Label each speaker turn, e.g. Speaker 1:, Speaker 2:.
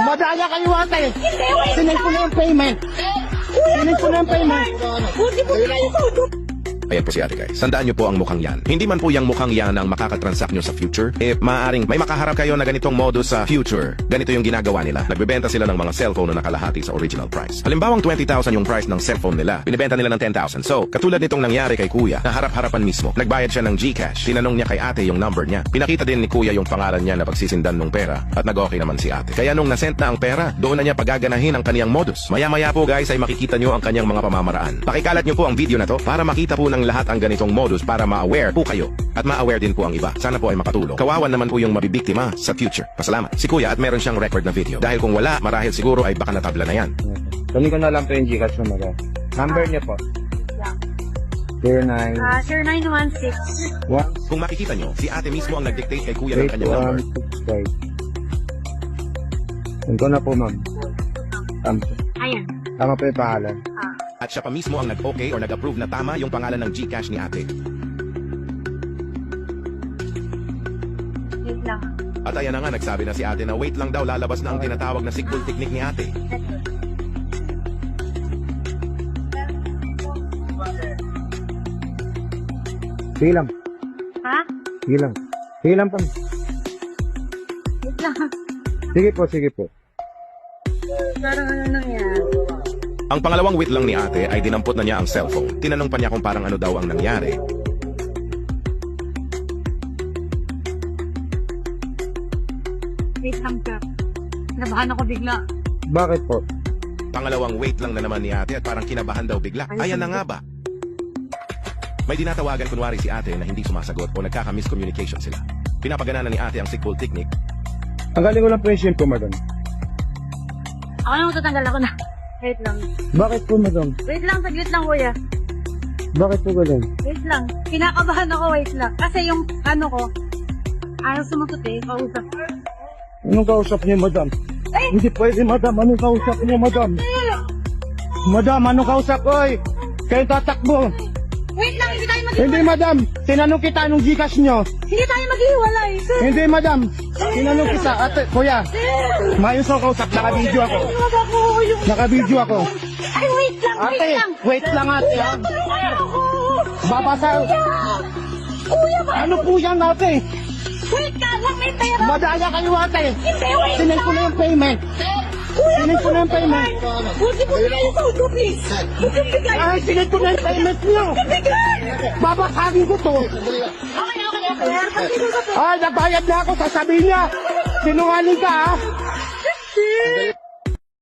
Speaker 1: Madaya kayo ate. Sinend ko na yung payment. Sinend ko na yung payment.
Speaker 2: Ayan po si ate guys. Tandaan nyo po ang mukhang yan. Hindi man po yung mukhang yan ang makakatransact nyo sa future. Maaaring may makaharap kayo na ganitong modus sa future. Ganito yung ginagawa nila. Nagbebenta sila ng mga cellphone na nakalahati sa original price. Halimbawang 20,000 yung price ng cellphone nila. Binibenta nila ng 10,000. So, katulad nitong nangyari kay kuya, na harap-harapan mismo. Nagbayad siya ng GCash. Tinanong niya kay ate yung number niya. Pinakita din ni kuya yung pangalan niya na pagsisindan ng pera. At nag-okay naman si ate. Kaya nung nasent na ang pera, doon na niya pagaganahin ang kaniyang modus. Maya-maya po guys ay makikita nyo ang kanyang mga pamamaraan. Pakikalat nyo po ang video na to para makita po ng lahat ang ganitong modus para ma-aware po kayo at ma-aware din po ang iba. Sana po ay makatulong. Kawawan naman po yung mabibiktima sa future. Pasalamat. Si kuya at meron siyang record na video. Dahil kung wala, marahil siguro ay baka natabla na yan.
Speaker 1: Kunin ko na lang po yung Gcash mo na. Number niya po. 09.
Speaker 3: 0916.
Speaker 1: 1.
Speaker 2: Kung makikita nyo, si ate mismo ang nag-dictate kay kuya ng kanyang number.
Speaker 1: 8165. Yun ko na po, ma'am.
Speaker 3: Ayan.
Speaker 1: Tama po yung pangalan.
Speaker 2: At siya pa mismo ang nag-okay or nag-approve na tama yung pangalan ng GCash ni ate.
Speaker 3: Wait lang.
Speaker 2: At ayan na nga, nagsabi na si ate na wait lang daw, lalabas na ang tinatawag na sickball technique ni ate.
Speaker 1: Sige lang.
Speaker 3: Ha?
Speaker 1: Sige lang. Sige lang po.
Speaker 3: Wait lang.
Speaker 1: Sige po, sige po.
Speaker 3: Parang ano nangyari?
Speaker 2: Ang pangalawang wait lang ni ate ay dinampot na niya ang cellphone. Tinanong pa niya kung parang ano daw ang nangyari.
Speaker 3: Wait lang, sir. Nabahan ako bigla.
Speaker 1: Bakit po?
Speaker 2: Pangalawang wait lang na naman ni ate at parang kinabahan daw bigla. Ayan na nga ba? May dinatawagan kunwari si ate na hindi sumasagot o nagkaka-miscommunication sila. Pinapagana na ni ate ang sickball technique.
Speaker 1: Tanggalin ko lang po yung SIM ko, madam.
Speaker 3: Ako na matatanggal ako na. Wait lang.
Speaker 1: Bakit po, madam?
Speaker 3: Wait lang, saglit lang, kuya.
Speaker 1: Bakit po ganun?
Speaker 3: Wait lang. Kinakabahan ako, wait lang. Kasi yung ano ko, ayaw sumagot eh, kausap.
Speaker 1: Anong kausap niyo, madam?
Speaker 3: Ay!
Speaker 1: Hindi pwede, madam. Anong kausap niyo, madam? Madam, anong kausap? Oy! Kayo tatakbo.
Speaker 3: Wait lang, hindi tayo
Speaker 1: Hindi, madam. Tinanong kita anong Gcash niyo.
Speaker 3: Hindi tayo maghiwalay, sir.
Speaker 1: Hindi, madam. Tinanong kita. Ate, kuya. Mayos ang kausap. Naka-video ako.
Speaker 3: Wag ako yung...
Speaker 1: Naka-video ako.
Speaker 3: Ay, wait lang,
Speaker 1: Ate,
Speaker 3: wait lang.
Speaker 1: wait lang, ate. Ha?
Speaker 3: Tulungan ako.
Speaker 1: Babasa.
Speaker 3: Kuya, ba?
Speaker 1: Ano po yan, ate?
Speaker 3: Wait ka lang, may pera.
Speaker 1: Madaya kayo, ate.
Speaker 3: Hindi, wait
Speaker 1: Sinend ko na yung payment. Sinend ko na yung payment.
Speaker 3: Huwag mo bigay yung saudo, please. Huwag mo bigay.
Speaker 1: Ay, sinend ko na yung payment niyo.
Speaker 3: Bigay.
Speaker 1: Babasagin ko to.
Speaker 3: Okay. Pag-iusap
Speaker 1: Ay, nagbayad na ako. Sasabihin niya. Sinungaling ka, ha?